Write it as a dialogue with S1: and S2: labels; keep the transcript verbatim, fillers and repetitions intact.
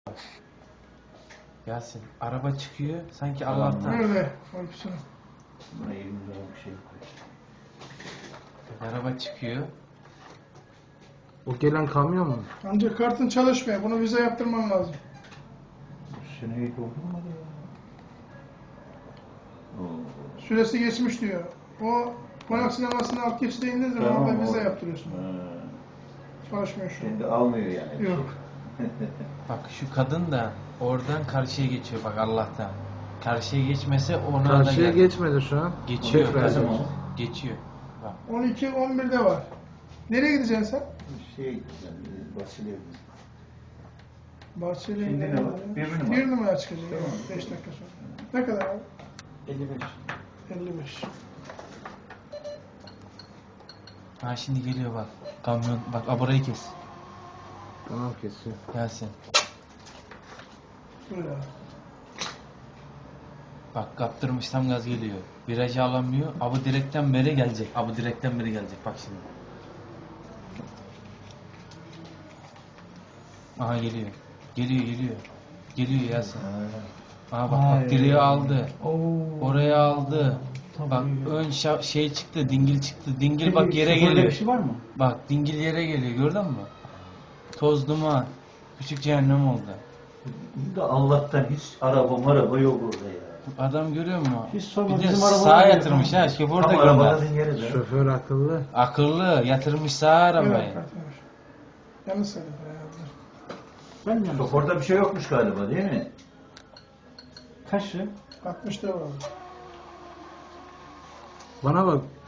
S1: Yasin, araba çıkıyor sanki Allah'tan.
S2: Öyle. Korkusunu.
S3: Buna yirmi lira bir şey koy.
S1: Araba çıkıyor.
S4: O gelen kamyon mu?
S2: Ancak kartın çalışmıyor. Bunu vize yaptırman lazım.
S3: Seneyi doldurmadı ya. Oo.
S2: Süresi geçmiş diyor. O konak sinemasını alt geçide indiğin zaman
S3: Tamam,
S2: orada vize
S3: o-
S2: yaptırıyorsun.
S3: Ha.
S2: Çalışmıyor şu an.
S3: Şimdi almıyor yani.
S2: Yok.
S1: Bak şu kadın da oradan karşıya geçiyor bak Allah'tan. Karşıya geçmese ona da
S4: Karşıya
S1: gel.
S4: geçmedi şu an.
S1: Geçiyor.
S4: Şoför
S1: kadın.
S4: geçiyor.
S1: Geçiyor. Bak.
S2: on iki on birde var. Nereye gideceksin sen?
S3: Şey, yani Vasile.
S2: Bahçeli'ye
S3: Şimdi
S2: nereye
S3: ne var?
S2: gidiyorsun?
S3: Bir numara.
S2: Bir numara çıkacak.
S3: Tamam.
S2: beş dakika sonra. Ne kadar abi?
S3: elli beş.
S2: elli beş.
S1: Ha şimdi geliyor bak. Kamyon. Bak aburayı kes.
S4: Tamam kesiyor.
S1: Yasin.
S2: Dur ya.
S1: Bak kaptırmış tam gaz geliyor. Virajı alamıyor. Abi direkten beri gelecek. Abi direkten beri gelecek. Bak şimdi. Aha geliyor. Geliyor geliyor. Geliyor Yasin. Aha bak bak direği aldı. Oraya aldı. Bak ön şa- şey çıktı, dingil çıktı. Dingil bak yere
S3: Şoförde
S1: geliyor.
S3: bir şey var mı?
S1: Bak dingil yere geliyor gördün mü? Toz duman. Küçük cehennem oldu.
S3: Da Allah'tan hiç araba maraba yok orada ya.
S1: Adam görüyor musun?
S3: Hiç sorma,
S1: Bir de
S3: bizim araba
S1: sağa
S3: var ya.
S1: yatırmış ha. Şoför de
S3: Tam
S1: gönder.
S3: arabanın yeri de.
S4: Şoför akıllı.
S1: Akıllı yatırmış sağa arabayı.
S2: Evet, kartıymış. Yanlış söyledim herhalde.
S3: Ben mi? Şoförde bir şey yokmuş galiba değil mi? Kaç lira?
S2: altmışta var.
S4: Bana bak